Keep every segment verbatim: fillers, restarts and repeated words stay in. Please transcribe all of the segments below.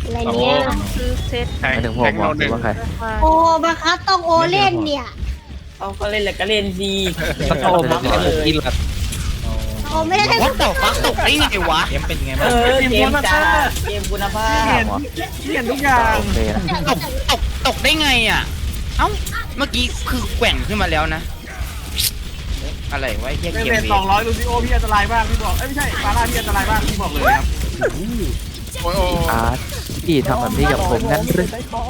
อะไรเนี่ยคือเซตไม่ถึงผมบอกว่าใครโอ้บังคับต้องโอเล่นเนี่ยเอาก็เล่นแหละก็เล่นดีก็โตมาแล้วผมกินละโอไม่ได้เล่นวัดต่อฟักตกได้ไงวะเกมเป็นไงเอบ้างอเกมจ้าเกมคุณภาพเห็นทุกอย่างโอเคนะตกตกตกได้ไงอ่ะเอ้าเมื่อกี้คือแกว่งขึ้นมาแล้วนะอะไรวะเฮียเล่นเกมเล่นนี้สองร้อยลูซิโอพี่อันตรายบ้างพี่บอกเอ้ยไม่ใช่ฟาร่าพี่อันตรายบ้างพี่บอกเลยครับโอ้ยโอ้อาร์ตพี่ทำแบบนี้กับผมงั้นหรือ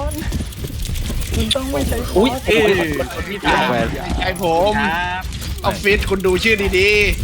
อุ้ยเอ้ยพี่ตายแหวนไอผมครับออฟฟิศคุณดูชื่อดี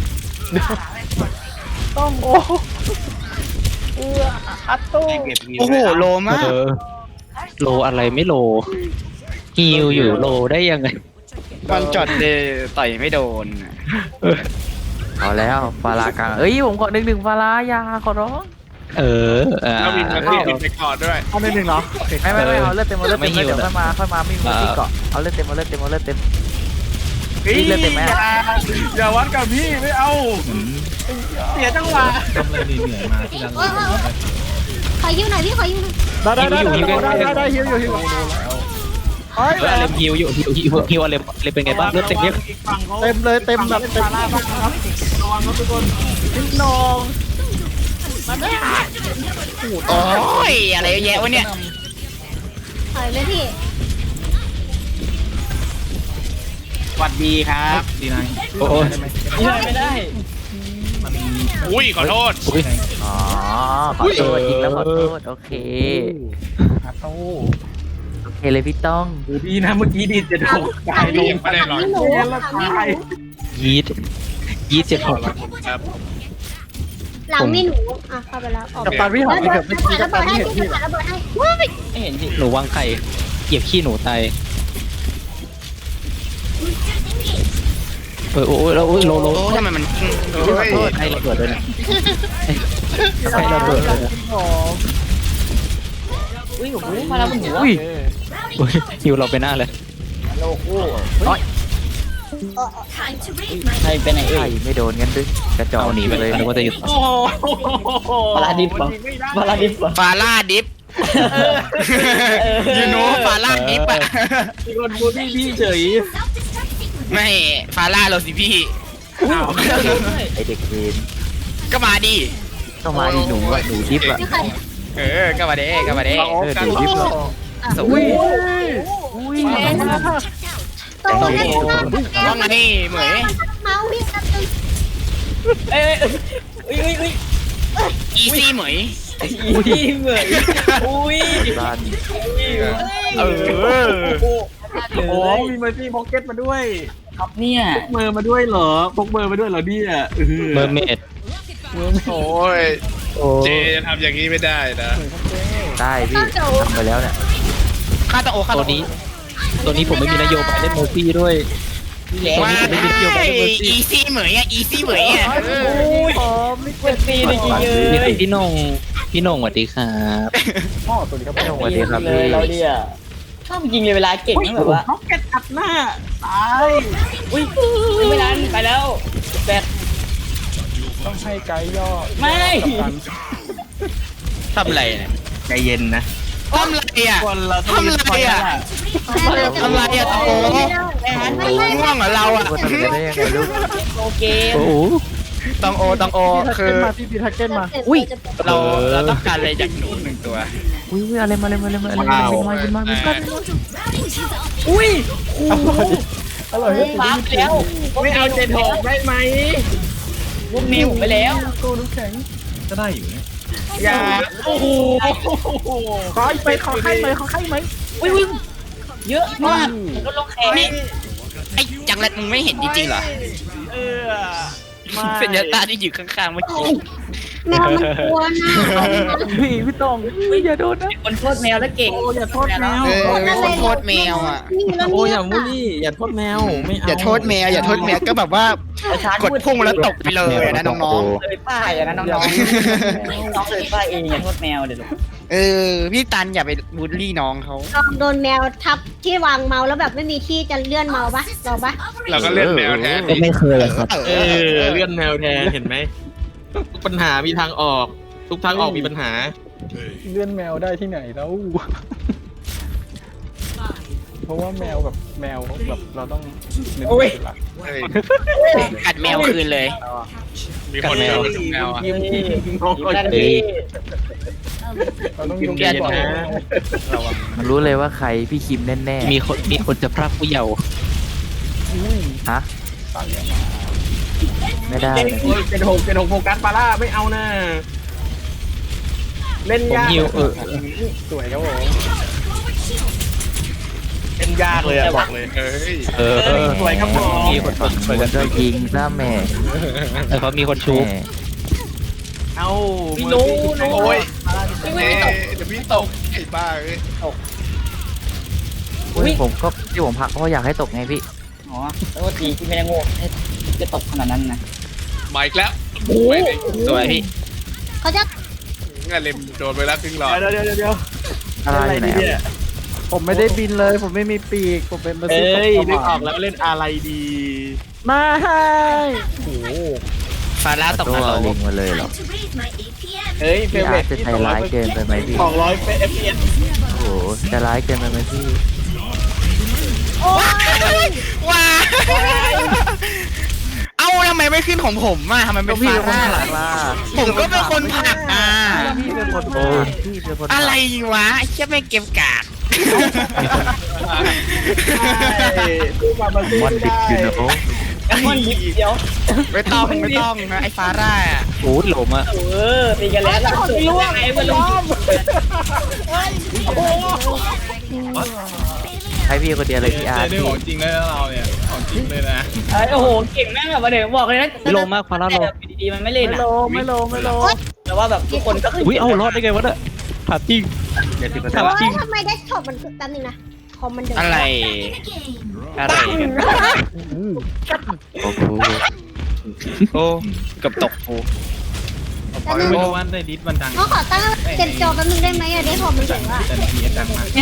โอ้โหโลมากเออโลอะไรไม่โลฮิวอยู่โลได้ยังไงวันจอดเลยต่อยไม่โดนเอาแล้วฟาลากลางเอ้ยผมขอหนึ่งหนึ่งฟาลายาขอร้องเอออ่าๆแล้วมีมาที่ติดไปก่อนด้วยเอาหนึ่งหนึ่งเหรอไม่ไม่ไม่เอาเลือดเต็มเอาเลือดเต็มไม่หิเดี๋ยว วนะค่อยมาค่อยมาไม่มีที่เกาะเอาเลือดเต็มเอาเลือดเต็มเอาเลือดเต็มฮ้ยเลือดเต็มไหมอย่าอย่าวัดกับพี่ไม่เอาเสียจังหวะโอ้ยขอยิ้วหน่อยพี่ขอยิ้วหน่อยได้ได้ได้ได้ได้ฮิวอยู่ฮิวเฮ้ยเอออะไรฮิวอยู่ฮิวฮิวฮิวอะไรอะไรเป็นไงบ้างเลือดเต็มเยอะเต็มเลยเต็มแบบเต็มระวังครับทุกคนนิดนองโอ้ยอะไรเยอะแยะวะเนี่ยถอยเลยพี่สวัสดีครับดีนายโอ้ยไม่ได้อุ้ยขอโทษอุ้ยอ๋อขอโทษจริงแล้วขอโทษโอเคอาโต้โอเคเลยพี่ต้องดูดีนะเมื่อกี้ดีจะโดนตายลงไม่ได้หรอกถามพี่หนูเงี้ยแล้วถามพี่หตายนูยีดยีดเจ็ดหกครับหลังมีหนูอ่ะเข้าไปแล้วออกกับตันพี่หแล้อวมเดี๋ยวเกือบไม่จะคิดผ่านกัระบเบิตันดให้พี่เห็นจะพี่ผ่านระเบิดให้ไม่เห็นสิหนูวางไข่เหยียบขี้หนูตายเออโอ้ยแล้วโลโลโอ้ทำไมมันโอ้ยไอ้ระเบิดด้วยนะไอ้ระเบิดเลยนะอุ้ยโอ้โหมาแล้วบนหัวอุ้ยอุ้ยฮิวเราไปหน้าเลยโลกูใครเป็นไหนเอ่ไอ้ยไม่โดนกันด้วยกระจอกเอาหนีไปเลยนึกว่าจะหยุดโอ้โหฟาราดิฟฟาราดิฟฟาราดิฟยูโน่ฟาราดิฟอะมีคนบูลลี่พี่เฉยไม่ฟาร่าเราสิพี่ไอเด็กเวนก็มาดิก็มาดีหนูอะหนูทิพย์อะไม่เคยเออก็มาเด้ก็มาเด้เอาเออกันหนูทิพย์อะสวยอุ้ยโตแล้วว่าไงเหมยเมาส์พี่กระตุ้นเอ้ยอุ้ยอุ้ยอุ้ยอีซี่เหมยอีซี่เหมยอุ้ยบ้านเออโอ้มีเมอร์ซี่พ็อกเก็ตมาด้วยครับเนี่ยพกเมอร์มาด้วยเหรอพกเมอร์มาด้วยเหรอเนี่ยเมอร์เมดโอ้ยโอ้เจจะทำอย่างนี้ไม่ได้นะได้พี่ทำไปแล้วเนี่ยค่าตะโอค่าตัตะวโอนี้ตัวนี้ผมไม่มีนโยบายเล่นโมฟี่ด้วยว้ายอีซี่เหมยอ่ะอีซี่เหมยอ่ะหอมนี่เป็นตีสวัสดีพี่นงพี่นงสวัสดีครับพ่อตัวนี้ครับไม่ต้องสวัสดีครับพี่เราเนี่ยชอบจริงเลยเวลาเก่งแบบว่าพ็อกเก็ตอัดหน้าตายอุ้ยไม่นานไปแล้วแบตต้องให้ไกด์ย่อไม่ทำอะไรเนี่ยใจเย็นนะทำอะไรอ่ะคนเราทำอะไรอ่ะทำอะไรอ่ะตะโกง่วงเหรอเราอ่ะว่าทำกันได้ยังไงลูกโอเคโอ้โหตองโอตองโอคือมาพี่พีทักเก้นมาอุ้ยเราเราต้องการอะไรจากหนูหนึ่งตัวอุ้ยอะไรมาอะไรมาอะไรมาอะไรมาบินมาบินมาบินมาอุ้ยอร่อยฟ้าไปแล้วไม่เอาเจ็ดหกได้ไหมวุ้มนิวไปแล้วกูน้ำแข็งก็ได้อยู่นะอย่าโอ้โหขอไปขอไข่ไหมขอไข่ไหมอุ้ยอุ้ยเยอะมากลดลงแขนนี่ไอ้จังไรมึงไม่เห็นจริงๆเหรอเออเป็นยาตาที่อยู่ข้างๆเมื่อกี้แมวมันกลัวนะพี่พี่ต้องอย่าโดนนะคนโทษแมวแล้วเก่งโอ้อย่าโทษแมวเออคนโทษแมวอ่ะโอ้อย่ามูลี่อย่าโทษแมวไม่เอาอย่าโทษแมวอย่าโทษแมวก็แบบว่ากดพุ่งแล้วตกไปเลยนะน้องๆเลยป้ายนะน้องๆน้องเลยป้ายเองอย่าโทษแมวเดี๋ยวเออพี่ตันอย่าไปบูลลี่น้องเขาลองโดนแมวทับที่วางเมาส์แล้วแบบไม่มีที่จะเลื่อนเมาส์ปะลองปะเราก็เล่นแมวแทนก็ไม่เคยเลยครับเอเอออเลื่อนแมวแทนเห็นไหมทุกปัญหามีทางออก ทุกทางออกมีปัญหาเลื่อนแมวได้ที่ไหนแล้ว เพราะว่าแมวแบบแมวแบบเราต้องนึกถึงหลักเฮ้ยกัดแมวคืนเลยมีคนเดียวกับแมวอ่ะยิ้มน้องก็เฮ้ยเราต้องยิ้ยมกเย็นก่อนนะระวังมันรู้เลยว่าใครพี่คิมแน่มีคนมีคนจะพรากผู้เยาว์ๆฮะตายแล้วไม่ได้เลยโอ้ยเป็นหกเป็นหกโฟกัสปาร่าไม่เอานะเล่นผมยากฮิวเออสวยครับผมเล่นยากเลยอะบอกเลยเฮ้ยเออสวยครับผมมีคนฝั่งนู้นก็ยิงซะแม่แต่เขามีคนชุบแม่เอาไม่รู้รู้โอ้ยไม่เอ๊ไม่ตกะเดี๋ยวพี่ตกไอ้บ้าเอ้ยอุ้ยผมก็ที่ผมพักเพราะอยากให้ตกไงพี่อ๋อแล้วก็ตีที่ไม่ได้โง่จะตกขนาดนั้นนะมาอีกแล้วโอ้ไม่ได้สวยพี่เขาจะงั้นเล็มโดนไปแล้วครึ่งหลอดเดี๋ยวเดี๋ยวเดี๋ยวเดี๋ยวอะไรอยู่ไหนเล่อะอะผมไม่ได้บินเลย ผมไม่มีปีกผมเป็นมาเอ้ซิยนึกออกแล้วเล่นอะไรดีมาให้โอ้โหฟาร่าตกตันวรกลิงมาเลยเหรอเฮ้ยเฟพี่เวอาอร์ตร์จะใจร้ายเกินไปไหมพี่สองร้อยเอฟพีเอสโอ้โหจะร้ายเกินไปไหมพี่ว้าเอ้าทำไมไม่ขึ้นของผมอ่ะทำไมเป็นฟาร่าล่ะล่ะผมก็เป็นคนผลักอ่ะพี่เป็นคนโอ้พี่เป็นคนอะไรวะไอ้เชี่ยไม่เก็บกาดสู้มามาสู้มันไม่ดิบได้อยู่นะโอ้มันยิบเดียวไม่ต้องไม่ต้องนะไอ้ฟาร่าอ่ะโอ้ยหลมอ่ะเออตีกันแล้วล่ะสุดยังไงมันลงให้พี่คนเดียวเลยพี่อาร์ตได้พี่ของจริงเลยนะเราเนี่ยของจริงเลยนะโอ้โหเก่งแม่งแบบว่าเดี๋ยวบอกเลยนะโลมากฟาร่าโลดีๆมันไม่เล่นไม่อ่ะโลไม่โลไม่โลแต่ว่าแบบทุกคนก็คืออุ้ยเอารอดได้ไงวะเนี่ยถามจริงแต่ว่าทำไมได้ช็อตมันแป๊บนึงนะคอมมันเดินอะไรอะไรกันโอ้โหโอ้กับตกโอ้แป๊บนึงไม่รู้ว่าในดิสมันดังเขาขอตั้งเต็มจอแป๊บนึงได้ไหมอะได้คอมมันถึงอะแต่ในพีเอสดังมาก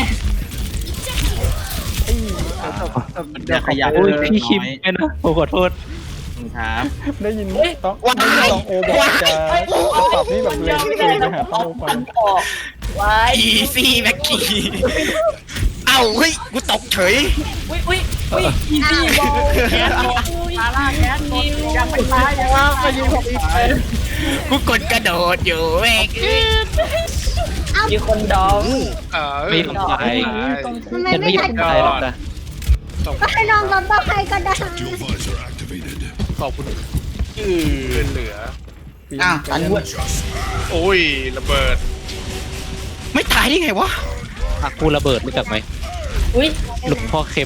เดี๋ยวขยับโอ้ยพี่คิมไม่นะผมขอโทษครับได้ยินต้องได้ยินต้องโอบอกจะจะตอบนี่แบบเล็งคุยไปหาเป้าไปอีซี่แม็กกี้เอ้าเฮ้ยกูตกเฉยอ้าวแคสฟาร่าแคสยังไม่ตายยังไม่ยิงผมอีกกูกดกระโดดอยู่เว้ยมีคนดองเออไม่ลงไปทำไมฉันไม่ไม่ยอทันมตายหรอกนะก็ให้น้องรับบ้าใครก็ได้ขอบคุณอือเพื่อนเหลืออ้าวตันวุ้โอ้ยระเบิดไม่ตายได้ไงวะอากูระเบิดรู้จักไหมอุ้ยหลวงพ่อเค็ม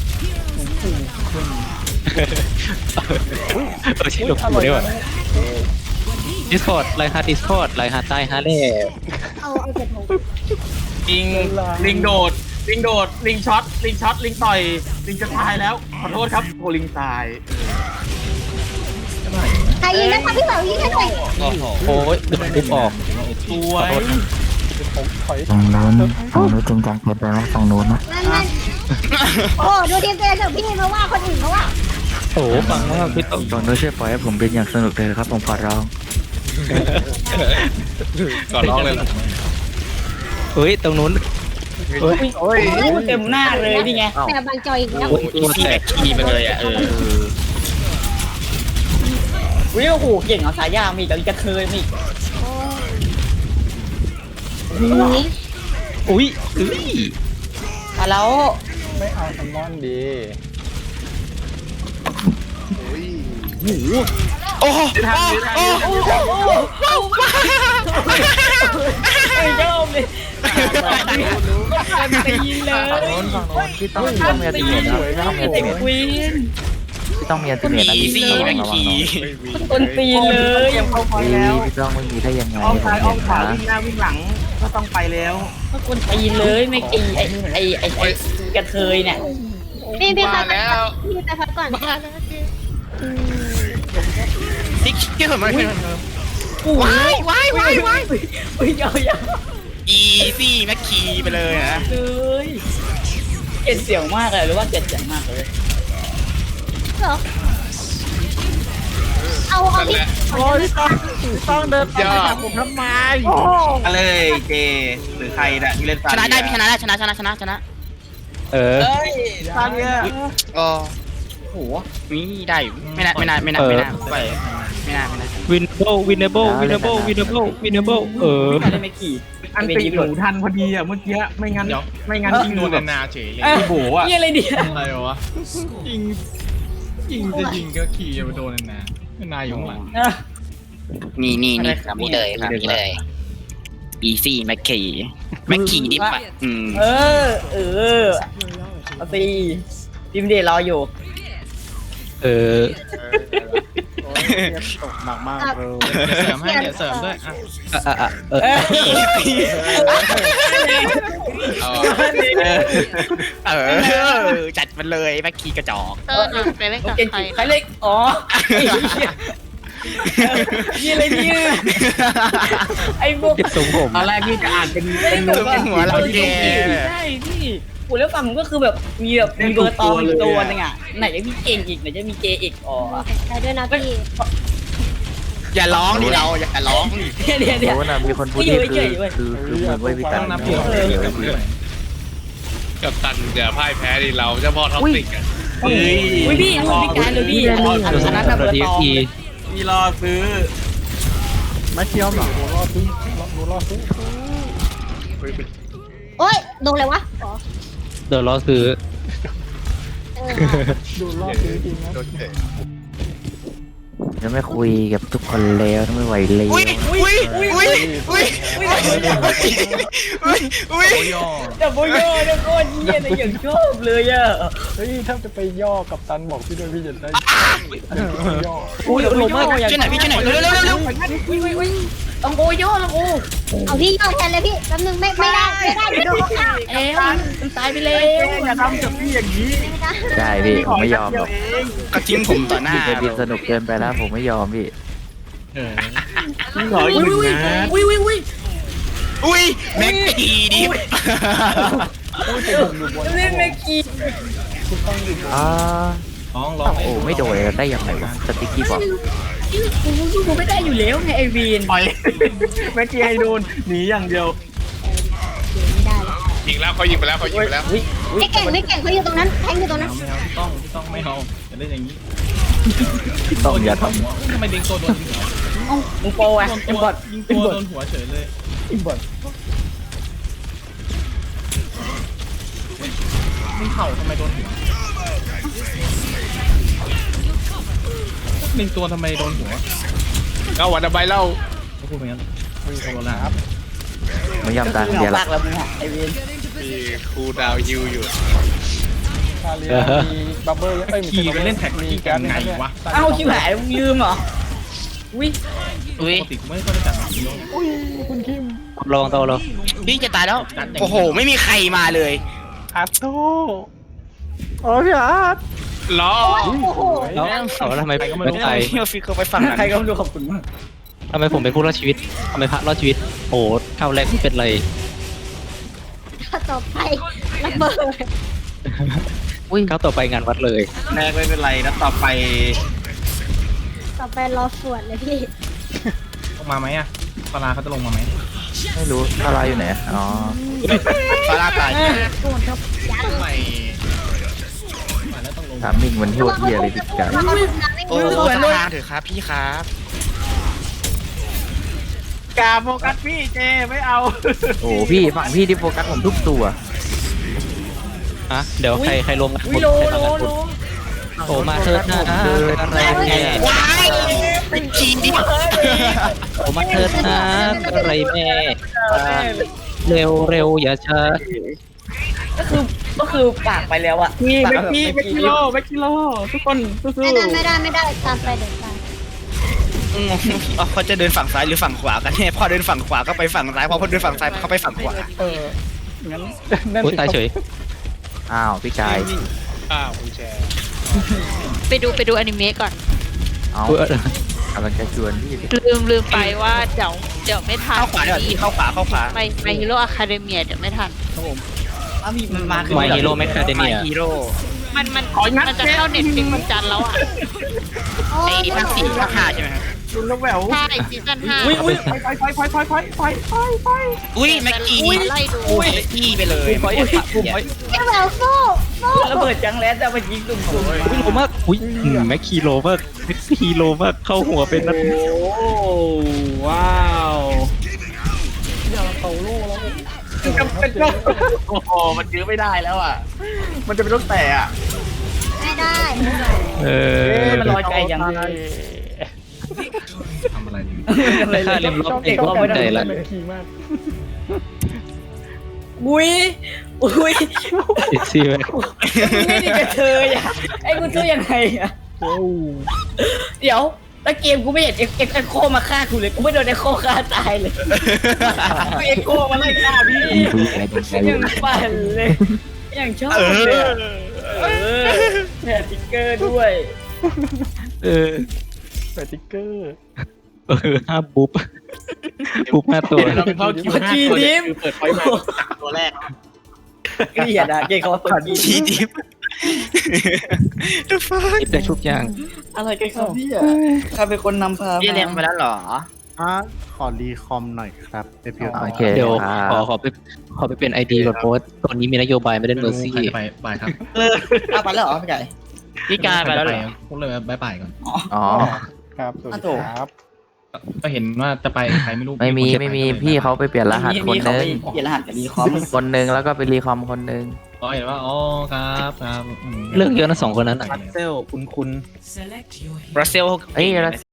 เออใช่หลวงปู่ได้ว่ะดิสคอร์ดไลน์ฮาร์ดดิสคอร์ดไลน์ฮาร์ดใต้ฮาร์ดแล่เอาเอาเจ็ดโมงลิงลิงโดดลิงโดดลิงช็อตลิงช็อตลิงต่อยลิงจะตายแล้วขอโทษครับโคลิงตายใครยิงนะคะพี่เหล่ายิงให้หน่อยโอ้ยดึงปุ๊บออกสวยผมถอยฝั่งนู้นฝั่งนู้นจริงจังเกินไปไหมฝั่งนู้นนะนั่นนั่นโอ้ดูทีมตัวเองเถอะพี่มาว่าคนอื่นเขาว่าโอ้โหฟังมากพี่ต้องฝั่งนู้นช่วยปล่อยให้ผมเป็นอย่างสนุกเลยครับผมขอร้องก่อนร้องเลยเหรอเฮ้ยตรงนู้นโอ้ยเต็มหน้าเลยนี่ไงแต่บางจอยอีกแล้วโอ้ยตัวแตกขี่ไปเลยอ่ะเอออุ้ยโอ้โหเก่งเอาสายยางมีกับกระเทยมีนี่อุ้ยอุ้ยมาแล้วไม่เอาแซลมอนดีโอ้โหทันทันโอ้โหไอ้เจ้าเลยตีเลยฝั่งนู้นฝั่งนู้นพี่ต้องต้องมีอัลติเมทนะต้องมีอัลติเมทควีนพี่ต้องมีอัลติเมทนะพี่ต้องระวังหน่อยคนตีเลยยังเข้าไปแล้วพี่ต้องไม่มีได้ยังไงอ้อมผมซ้ายอ้อเห็มนขวานะวิ่งหน้าวิ่งหลังก็ต้องไปแล้วคนตีเลยไม่ตีไอ้ไอ้ไอ้ไอ้กระเทยเนี่ยพี่พี่มาพักแล้วพี่ไปพักก่อนติ๊กเกี่ยวมันว้ายว้ายว้ายว้ายอุ้ยยาวยาวอีซี่แม็กคีไปเลยนะเลยเกลียดเสียงมากเลยหรือว่าเกลียดเสียงมากเลยเหรอเอาเอาเอานั่นพี่แหละโอ้ยต้องต้องเดินไปยอดหาผมทำไมมาเลยเจหรือใครน่ะที่เล่นชนะได้พี่ชนะได้ชนะชนะชนะชนะเออเอ้ยตอนเนี้ยอ๋อโอ้โหนี่ได้อยู่ไม่น่าไม่น่าไม่น่าไม่น่าไปไม่น่าไม่น่า winnable winnable winnable winnable winnable เออได้ไม่กี่อันติหนูทันพอดีอ่ะเมื่อกี้ไม่งั้นไม่งั้นยิงโดนแบบนาเฉยเลยพี่โบอ่ะนี่อะไรเดียอะไรวะยิงยิงจะยิงก็ขี่จะไปโดนนานาอยู่ข้างหลังนี่นี่นี่ครับนี่เลยครับนี่เลย easy แม็กกี้แม็กกี้ดิบอ่ะอืมเออ เออเอาสิทีมเดรออยู่เออตกหนักมากเลยเสริมให้เดี๋ยวเสริมด้วยอ่ะอ่ะอ่ะเออเอาเออจัดมันเลยแม็กกี้กระจอกเออหนูไปเล่นกับเก่งใครใครเล็ก อ๋อนี่อะไรเนี่ยไอ้พวกติดทรงผมตอนแรกพี่จะอ่านเป็นไม่เป็นได้หนูแบบหัวเราแกใช่พี่กูแล้วฝั่งผมก็คือแบบมีแบบมีเบอร์ตองอีกตัวนึงอ่ะไหนจะมีเก่งอีกไหนจะมีเจอีกอ๋อใครด้วยนะพี่อย่าร้องดิเราอย่าร้องดิเดี๋ยวเดี๋ยวเดี๋ยวโอ้นะมีคนพูดที่คือคือคือเหมือนเว้ยพี่ตันนับเดีเดียยว วเดียวกับตันเดี๋ยวพ่ายแพ้ดิเราเจ้าพ่อท็อปติกอ่ะเฮ้ยอุ้ยพี่อุ้ยพี่การเลยพี่อันนั้นน่ะเบอร์ตองพี่รอซื้อไม่เคี้ยวหรอหนูรอดซื้อหนูรอดซื้อโอ้ยโดนเลยวะอ๋อเดี๋ยวรอซื้อเออดูรอดซื้อจริงนะจะไม่คุยกับทุกคนแล้วไม่ไหวเลยอุ้ยอุ้ยอุ้ยอุ้ยอุ้ยอุ้ยอุ้ยแต่โบโย่เนี่ยโคตรเยี่ยเลยอย่างชอบเลยอ่ะเฮ้ยถ้าจะไปย่อกับตันบอกพี่ด้วยพี่จะได้ย่ออุ้ยลงมาช่วยหน่อยพี่ช่วยหน่อยเร็วเร็วเร็วเร็วอุ้ยอุ้ยอุ้ยต้องโบโย่ต้องโบเอาพี่ยอดแทนเลยพี่แป๊บนึงไม่ไม่ได้ไม่ได้เดี๋ยวโดนเขาฆ่าเอ้มันตายไปแล้วอย่าทำกับพี่อย่างนี้ไม่ได้ได้พี่ผมไม่ยอมหรอกก็ทิ้งผมต่อหน้าพี่เดบินสนุกเกินไปแล้วผมไม่ยอมพี่เออพี่ขออีกหนึ่งนะอุ้ยอุ้ยอุ้ยอุ้ยแม็กกี้ดิบเล่นแม็กกี้อ่าร้องร้องโอ้ไม่โดนได้ยังไงวะสติ๊กกี้บอกกูกูไม่ได้อยู่แล้วไงไอวีนปล่อยแม็กกี้ให้โดนหนีอย่างเดียวไม่ได้แล้วยิงแล้วเขายิงไปแล้วเขายิงไปแล้วไม่เก่งไม่เก่งเขาอยู่ตรงนั้นแทงอยู่ตรงนั้นไม่เอาต้องต้องไม่เอาอย่าเล่นอย่างนี้ต้องอย่าททำไมดิงตัวโดนหัวมึงโปรอ่ะไอ้บอดยิงตัวโดนหัวเฉยเลยอิมบอดมึงเข่าทำไมโดนหัวดิงตัวทำไมโดนหัวเอาวันใบเล่าพูดไปงั้นไม่มีคนละครับำไม่ยอมตามเหเดียวงาละปากแล้วมึงอ่ะไอวีนมีครูดาวยูอยู่คาเรียมีบับเบิ้ลเอ้ยขี่ไปเล่นแท็กซี่กันไงวะเอ้าชิบหายมึงลืมเหรออุ้ยอุ้ยปกติกูไม่ค่อยได้จัดแบบนี้อุ้ยคุณคิมลองโตเราพี่จะตายแล้วโอ้โหไม่มีใครมาเลยอาร์โต้โอ้พี่อาร์ตล้อโอ้โหแล้วเอาแล้วทำไมผมไม่ไปพี่ฟิกเขาไปฝั่งนั้นใครก็ไม่รู้ขอบคุณมากทำไมผมเป็นผู้รอดชีวิตทำไมพระรอดชีวิตโอ้เท่าแรกไม่เป็นไรต่อไประเบิดอุ้ยเข้าต่อไปงานวัดเลยแรกไม่เป็นไรนะต่อไปต่อไปรอสวดเลยพี่ลงมาไหมอ่ะปลาเขาจะลงมาไหมไม่รู้อะไรอยู่ไหนอ๋อฟาร่าตายไม่ถามมิงมันโหดเหี้ยเลยพี่ไก่โอ้ทางเถอะครับพี่ครับกาโฟกัสพี่เจไม่เอาโอ้พี่ฝั่งพี่ที่โฟกัสผมทุกตัวฮะเดี๋ยวใครใครลงกันอุ้ยโลโลโลโอ้มาเถิดนะอะไรแม่ว้ายเป็นจีนดิโอ้มาเถิดนะอะไรแม่เร็วเร็วอย่าช้าก็คือก็คือปากไปแล้วอ่ะพี่แม็กกี้แม็กกิโลแม็กกิโลทุกคนสู้ไม่ได้ไม่ได้ไม่ได้ตามไปเดี๋ยวตามเขาจะเดินฝั่งซ้ายหรือฝั่งขวากันเนี่ยพอเดินฝั่งขวาก็ไปฝั่งซ้ายพอพอเดินฝั่งซ้ายเขาไปฝั่งขวาเอองั้นนั่นโอ้ยตายเฉยอ้าวพี่กายอ้าวคุณแชร์ไปดูไปดูอนิเมะก่อนเอาเออกำลังจะชวนพี่ลืมลืมไปว่าเดี๋ยวเดี๋ยวไม่ทันเข้าขวาเดี๋ยวพี่เข้าขวาเข้าขวาไปไปฮีโร่อะคาเดเมียเดี๋ยวไม่ทันมันมาคือ My Hero Macadamia ฮีโร่มันมันขออีกนัดมันจะเข้าเน็ตฟิกวันจันทร์แล้วอ่ะโอ้ไอ้ยภาคสี่ภาคห้าใช่ไหมครับลุงน้ำแหววใช่ซีซั่นห้าอุ้ยอุ้ยไฟไฟไฟไฟไฟไฟไฟไฟอุ้ยแม็กกี้ไล่ดูอุ้ยแม็กกี้ไปเลยปุ่มไว้ปุ่มไว้พี่แหววสู้สู้ระเบิดจังแล้วแต่มันยิงตุ่มตุ่มอุ้ยโลมากอุ้ยอืมแม็กคีโลมากแม็กคีโลมากเข้าหัวเป็นนัดโอ้ว้าวจำเป็นต้องโอ้โหมันยื้อไม่ได้แล้วอ่ะมันจะเป็นต้องแต่อ่ะไม่ได้เออมันลอยไกลยังทำอะไรอยู่ค่าเล่มล็อกเองก็ไม่ได้ละอุ้ยอุ้ยอีกซี่ไหมไม่ได้กระเทยอ่ะไอ้กูสู้ยังไงอ่ะเดี๋ยวแล้วเกมกูไม่เห็นเอ็กเอ็กเอ็กโคมาฆ่ากูเลยกูไม่โดนเอ็กโคฆ่าตายเลยเอ็กโคมาไล่ฆ่าพี่ยังปั่นเลยยังชอบเลยเออแถมติ๊กเกอร์ด้วยเออแปะติ๊กเกอร์เออห้าบุ๊บบุ๊บห้าตัวเราไปเข้าคิวห้าตัวเนี่ยคือเปิดไฟมาตัวแรกเกลียดอ่ะเกลียดเขาว่าเปิดทีดิฟ The fuck นี่แต่ชุบยางอะไรกันครับพี่อ่ะใครเป็นคนนำพาพี่เรียนมามาแล้วเหรออ่ะขอรีคอมหน่อยครับเอพีโอเคเดี๋ยวครัขอบ ขอไปขอไปเป็นไอดีก่อนโพสต์ตอนนี้มีนโยบายไม่ได้เมอร์ซี่ใครจะไปไปครับเอาไปแล้วเหรอพี่ไก่พี่การไปแล้วเหรอพูดเลยบายบายก่อนอ๋อครับสวัสดีครับก็เห็นว่าจะไปใครไม่รู้ไม่มีไม่มีพี่เขาไปเปลี่ยนรหัสคนมีเขานึไปงเปลี่ยนรหัสกับรีคอมคนนึงแล้วก็ไปรีคอมคนนึงอ๋อเห็นว่าอ๋อครับครับเรื่องเยอะนะสองคนนั้นอ่ะพัซเซลคุณคุณบราซิลเอ้ยแล้ว